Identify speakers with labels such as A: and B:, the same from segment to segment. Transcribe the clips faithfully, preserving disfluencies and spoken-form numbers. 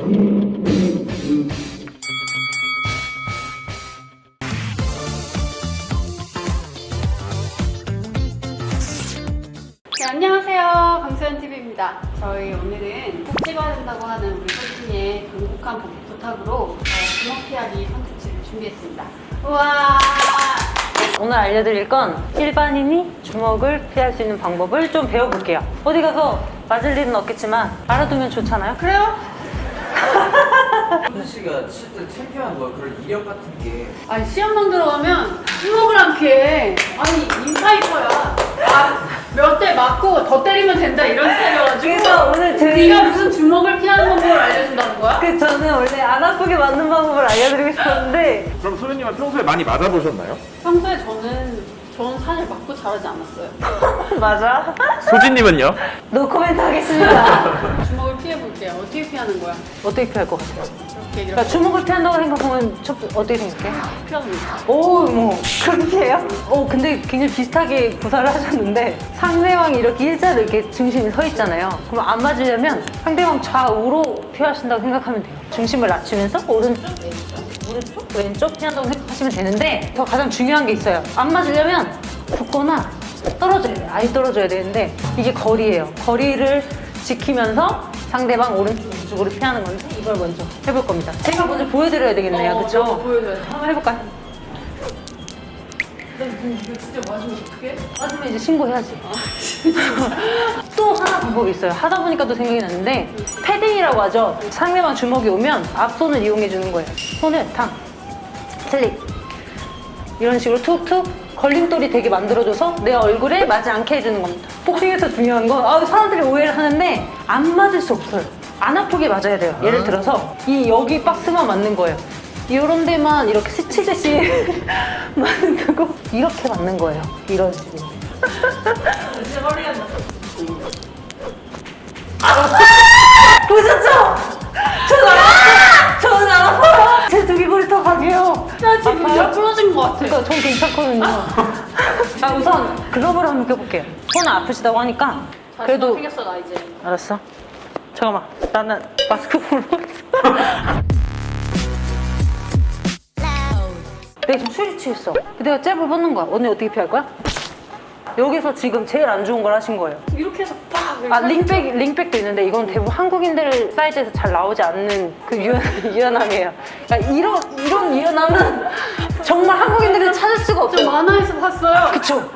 A: 네, 안녕하세요. 강수현티비입니다. 저희 오늘은 꼭 찍어야 된다고 하는 우리 소진이의 강력한 부탁으로 어, 주먹 피하기 컨텐츠를 준비했습니다. 우와!
B: 오늘 알려드릴 건 일반인이 주먹을 피할 수 있는 방법을 좀 배워볼게요. 어디 가서 맞을 일은 없겠지만 알아두면 좋잖아요?
A: 그래요?
C: 현수 씨가 실제 챔피언 뭐 그런 이력 같은 게
A: 아니 시험만 들어가면 주먹을 안 피해. 아니 인파이터야. 아, 몇 대 맞고 더 때리면 된다 이런 스타일이어가지고.
B: 그래서 오늘 제-
A: 네가 무슨 주먹을 피하는 방법을 알려준다는 거야?
B: 그 저는 원래 안 아프게 맞는 방법을 알려드리고 싶었는데
D: 그럼 소연님은 평소에 많이 맞아보셨나요?
A: 평소에 저는 저는 사실 맞고 자라지 않았어요.
B: 맞아?
D: 소진님은요?
B: 노코멘트 하겠습니다.
A: 주먹을 피해볼게요. 어떻게 피하는 거야?
B: 어떻게 피할 것 같아요?
A: 이렇게 이렇게
B: 그러니까 주먹을 피한다고 생각하면 첫, 어떻게 생각해?
A: 피하는 거야.
B: 오, 뭐 그렇게 해요? 오, 근데 굉장히 비슷하게 구사를 하셨는데 상대방이 이렇게 일자로 이렇게 중심이 서 있잖아요. 그럼 안 맞으려면 상대방 좌우로 피하신다고 생각하면 돼요. 중심을 낮추면서 오른쪽, 왼쪽, 오른쪽, 왼쪽 피한다고 생각하시면 되는데 더 가장 중요한 게 있어요. 안 맞으려면 붙거나 떨어져야 돼요. 아예 떨어져야 되는데 이게 거리예요. 거리를 지키면서 상대방 오른쪽, 왼쪽으로 피하는 건데 이걸 먼저 해볼 겁니다. 제가 먼저 보여드려야 되겠네요.
A: 어,
B: 그쵸?
A: 먼저 보여줘야 돼.
B: 한번 해볼까요?
A: 나 이거 진짜 맞으면 어떡해?
B: 맞으면 이제 신고해야지. 또 하나 방법이 있어요. 하다 보니까 또 생각이 났는데 패딩이라고 하죠. 상대방 주먹이 오면 앞손을 이용해 주는 거예요. 손을 탕, 슬립 이런 식으로 툭툭 걸림돌이 되게 만들어줘서 내 얼굴에 맞지 않게 해주는 겁니다. 복싱에서 중요한 건 아, 사람들이 오해를 하는데 안 맞을 수 없어요. 안 아프게 맞아야 돼요. 예를 들어서 이 여기 박스만 맞는 거예요. 이런 데만 이렇게 스치듯이 맞는 거고 이렇게 맞는 거예요. 이런 식으로.
A: 진짜 머리 간다.
B: 보셨죠? 저는 안 아파요. 저는 안 아파요. 제 두 귀걸이 더 강해요.
A: 나 지금
B: 아파요?
A: 몇 부러진 것 같아.
B: 그러니까 전 괜찮거든요. 자, 우선 글러브를 한번 껴볼게요. 손은 아프시다고 하니까
A: 그래도
B: 그래도
A: 생겼어 나 이제.
B: 알았어. 잠깐만, 나는 마스크 보러 갔어. 내가 지금 술이 취했어. 내가 잽을 뻗는 거야. 언니 어떻게 피할 거야? 여기서 지금 제일 안 좋은 걸 하신 거예요.
A: 이렇게 해서 빡.
B: 아, 링백, 링백도 있는데 이건 대부분 한국인들 사이즈에서 잘 나오지 않는 그 유연, 유연함이에요. 그러니까 이런, 이런 유연함은 정말 한국인들이 찾을 수가
A: 저
B: 없어요.
A: 만화에서 봤어요.
B: 그쵸?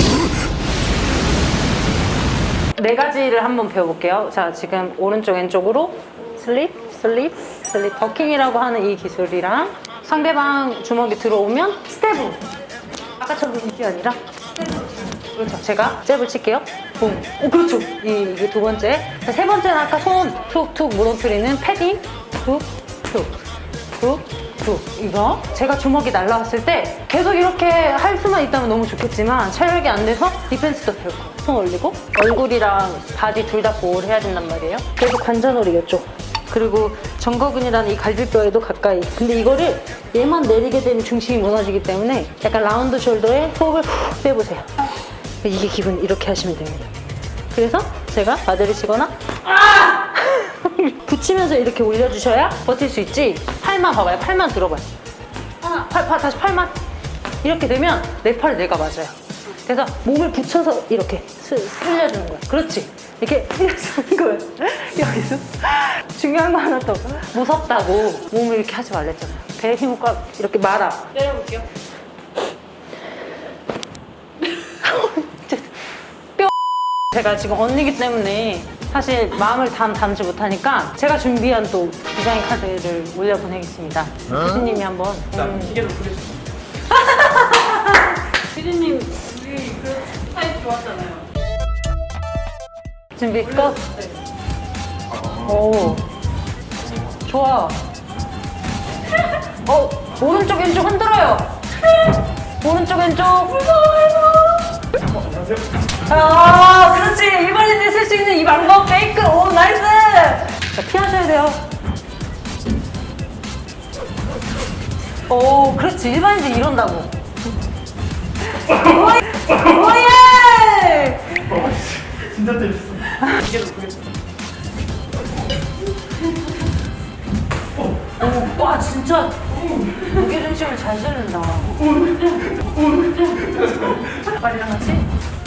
B: 네 가지를 한번 배워볼게요. 자, 지금 오른쪽 왼쪽으로 슬립, 슬립, 슬립 버킹이라고 하는 이 기술이랑 상대방 주먹이 들어오면 스텝으로 아까처럼 이게 아니라 스텝으로. 그렇죠. 제가 잽을 칠게요. 붐. 오, 그렇죠. 이, 이게 두 번째. 자, 세 번째는 아까 손 툭툭 무너뜨리는 패딩. 툭, 툭, 툭, 툭. 이거. 제가 주먹이 날라왔을 때 계속 이렇게 할 수만 있다면 너무 좋겠지만 체력이 안 돼서 디펜스도 배울 거예요. 손 올리고 얼굴이랑 바디 둘 다 보호를 해야 된단 말이에요. 계속 관자놀이 이쪽. 그리고 정거근이라는 이 갈비뼈에도 가까이. 근데 이거를 얘만 내리게 되면 중심이 무너지기 때문에 약간 라운드 숄더에 호흡을 훅 빼보세요. 이게 기분 이렇게 하시면 됩니다. 그래서 제가 바디를 치거나 아! 붙이면서 이렇게 올려주셔야 버틸 수 있지. 팔만 봐봐요. 팔만 들어봐요. 하나, 팔, 팔, 다시 팔만. 이렇게 되면 내 팔을 내가 맞아요. 그래서 몸을 붙여서 이렇게 스, 쓸려주는 거야. 그렇지. 이렇게 쓸려주는 거예요. 여기서 중요한 거 하나 더. 무섭다고 몸을 이렇게 하지 말랬잖아요. 배에 힘을 꽉 이렇게 말아.
A: 내려볼게요.
B: 제가 지금 언니기 때문에 사실 마음을 담, 담지 못하니까 제가 준비한 또 디자인 카드를 올려보내겠습니다. 교수님이 한번 음,
C: 기계로 부르시죠.
A: 피디님 우리 그 스타일 좋았잖아요.
B: 준비 끝. 오, 좋아. 어, 오른쪽 왼쪽 흔들어요. 오른쪽 왼쪽. 아, 그렇지. 일반인이 쓸 수 있는 이 방법 페이크. 오, 나이스. 자, 피하셔야 돼요. 오, 그렇지. 일반인들 이런다고. 오예!
C: 진짜 재밌어. 기계로 부르겠습니다.
B: 오, 와 진짜 무게중심을 잘 실는다. 빨리랑 같이?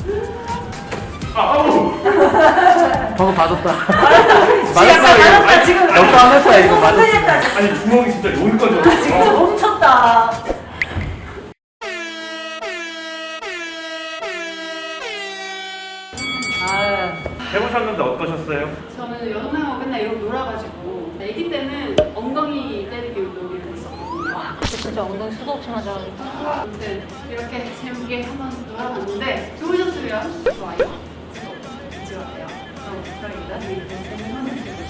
C: 방금 맞았다.
B: 지금 약간 맞았다 지금.
C: 역도 안 했다 이거 맞았어.
B: 흔들렸다 지금.
E: 아니 주먹이 진짜 여기까지 왔어.
B: 지금 멈췄다. 아,
E: 해보셨는데 어떠셨어요?
A: 저는 여동생하고 맨날 이러고 놀아가지고 아기 때는 엉덩이 때리기 놀이를 했었거든요.
B: 진짜 엉덩이 수도 없이 맞아가지고.
A: 아무튼 이렇게 재밌게 한번 놀아봤는데 좋으셨으면 좋아요, 구독, 같이 어때요? 그럼 저희 나중에 또 재밌는 컨텐츠